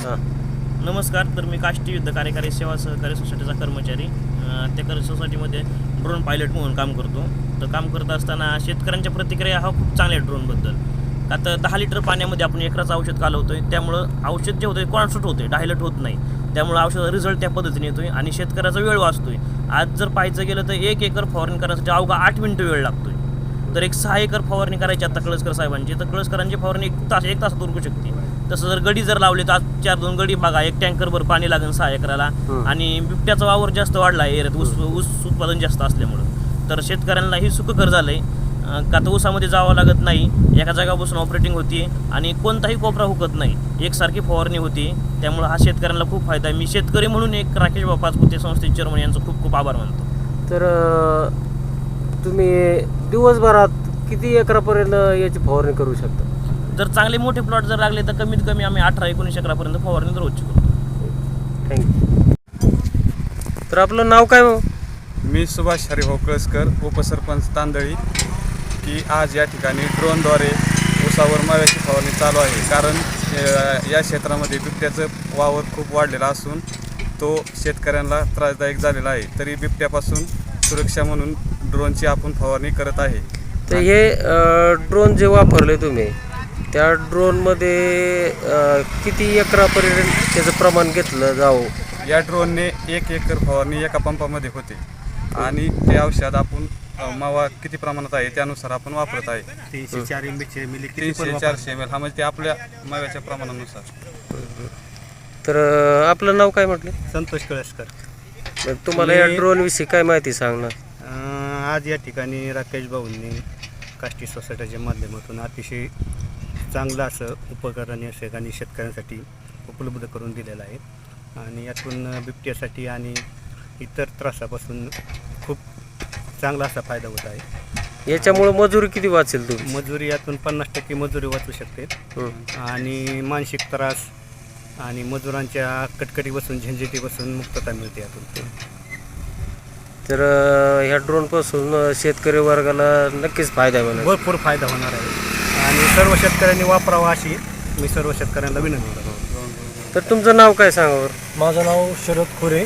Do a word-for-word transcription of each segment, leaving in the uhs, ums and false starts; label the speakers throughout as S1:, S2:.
S1: हां
S2: नमस्कार. तर मी काष्टी युद्ध कार्यकारी सेवा सहकारी सोसायटीचा कर्मचारी. त्या कर सोसायटीमध्ये ड्रोन पायलट म्हणून काम करतो. तर काम करत असताना शेतकऱ्यांच्या प्रतिक्रिया हा खूप चांगल्या आहे ड्रोनबद्दल. का तर दहा लिटर पाण्यामध्ये आपण एकराचं औषध कालवतो आहे, त्यामुळं औषध जे होतं आहे कॉन्स्टंट होतं आहे, डायलट होत नाही. त्यामुळं औषधाचा रिझल्ट त्या पद्धतीने येतो आहे आणि शेतकऱ्याचा वेळ वाचतो आहे. आज जर पाहायचं गेलं तर एक एकर फवारणी करण्यासाठी अवघा आठ मिनटं वेळ लागतो आहे. तर एक सहा एकर फवारणी करायची आता कळसकर साहेबांची, तर कळसकरांची फवारणी एक तास एक तासात उरकू शकते. तसं जर गडी जर लावले तर आज चार दोन गडी बघा, एक टँकरभर पाणी लागेल सहा एकराला. आणि बिबट्याचा वावर जास्त वाढला आहे एरियात, ऊस ऊस उत्पादन जास्त असल्यामुळं. तर शेतकऱ्यांना ही सुखकर झालं आहे. का तर ऊसामध्ये जावं लागत नाही, एका जागा बसून ऑपरेटिंग होती आणि कोणताही कोपरा हुकत नाही, एकसारखी फवारणी होती. त्यामुळं हा शेतकऱ्यांना खूप फायदा आहे. मी शेतकरी म्हणून एक राकेश बाबा पाचपुते संस्थेचे चेअरमन यांचं खूप खूप आभार मानतो.
S1: तर तुम्ही दिवसभरात किती एकरापर्यंत याची फवारणी करू शकता?
S2: जर चांगले मोठे प्लॉट जर लागले तर कमीत कमी आम्ही अठरा एकोणीस एकरापर्यंत फवारणी रोजची करतो.
S1: थँक्यू. तर आपलं नाव काय मग?
S3: मी सुभाष हरिभाऊ कळसकर, उपसरपंच तांदळी. की आज या ठिकाणी ड्रोनद्वारे ऊसावर माव्याची फवारणी चालू आहे. कारण या क्षेत्रामध्ये बिबट्याचं वावर खूप वाढलेला असून तो शेतकऱ्यांना त्रासदायक झालेला आहे. तरी बिबट्यापासून सुरक्षा म्हणून ड्रोनची आपण फवारणी करत आहे.
S1: तर हे ड्रोन जे वापरले तुम्ही, त्या ड्रोनमध्ये किती एकरापर्यंत त्याचं प्रमाण घेतलं जावं?
S3: या ड्रोनने एक एकर फवारणी एका पंपामध्ये होते आणि ते औषध आपण मावा किती प्रमाणात आहे त्यानुसार आपण वापरत आहे.
S4: तीनशे चार एम बीचे मिली
S3: तीनशे चारशे एम एल हा म्हणजे ते आपल्या माव्याच्या प्रमाणानुसार.
S1: तर आपलं नाव काय म्हटलं?
S4: संतोष कळसकर.
S1: तर तुम्हाला या ड्रोनविषयी काय माहिती सांगणार?
S4: आज या ठिकाणी राकेश भाऊंनी काष्टी सोसायटीच्या माध्यमातून अतिशय चांगलं असं उपकरण या ठिकाणी शेतकऱ्यांसाठी उपलब्ध करून दिलेलं आहे आणि यातून बिबट्यासाठी आणि इतर त्रासापासून खूप चांगला असा फायदा होत आहे.
S1: याच्यामुळे मजुरी किती वाचेल तुम्ही?
S4: मजुरी यातून पन्नास टक्के मजुरी वाचू शकते आणि मानसिक त्रास आणि मजुरांच्या कटकटीपासून झंझटीपासून मुक्तता मिळते यातून.
S1: तर ह्या ड्रोनपासून शेतकरी वर्गाला नक्कीच फायदा होणार,
S4: भरपूर फायदा होणार आहे आणि सर्व शेतकऱ्यांनी वापरावा अशी मी सर्व शेतकऱ्यांना विनंती करतो.
S1: तर तुमचं नाव काय सांगा?
S5: माझं नाव शरद खोरे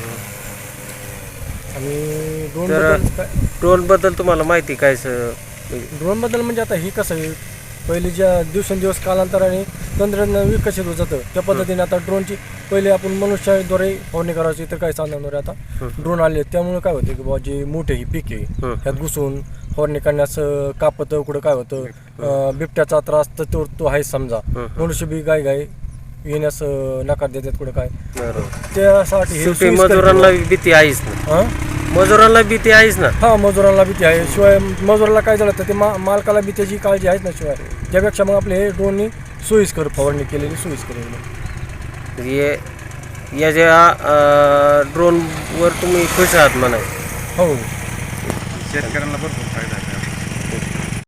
S5: आणि ड्रोन बद्दल
S1: ड्रोनबद्दल तुम्हाला माहिती काय? सर
S5: ड्रोन बद्दल म्हणजे आता ही कसं आहे, पहिले ज्या दिवसेंदिवस कालांतराने तंत्रज्ञान विकसित होत जातं त्या पद्धतीने आता ड्रोनची पहिले आपण मनुष्याद्वारे फवारणी करायची, तर काय चालणार आहे आता ड्रोन आले. त्यामुळे काय होतं की बाबा जे मोठे ही पीक आहे ह्यात घुसून फवारणी करण्यास कापतं, कुठं काय होतं बिबट्याचा त्रास तर तो तो आहे समजा. मनुष्य बी गाय गाय येण्यास नकार देतात कुठं काय. त्यासाठी
S1: मजुरांना भीती आहेच ना? मजुरांना भीती आहेच ना?
S5: हा, मजुरांना भीती आहे. शिवाय मजुराला काय झालं तर ते मा मालकाला बी त्याची काळजी आहेच ना. शिवाय त्यापेक्षा मग आपले हे ड्रोननी सोयीस्कर फवारणी केलेली सोयीस्कर केलेली.
S1: ये या ज्या ड्रोनवर तुम्ही खुश आहात म्हणा?
S5: हो,
S3: शेतकऱ्यांना भरपूर फायदा आहे.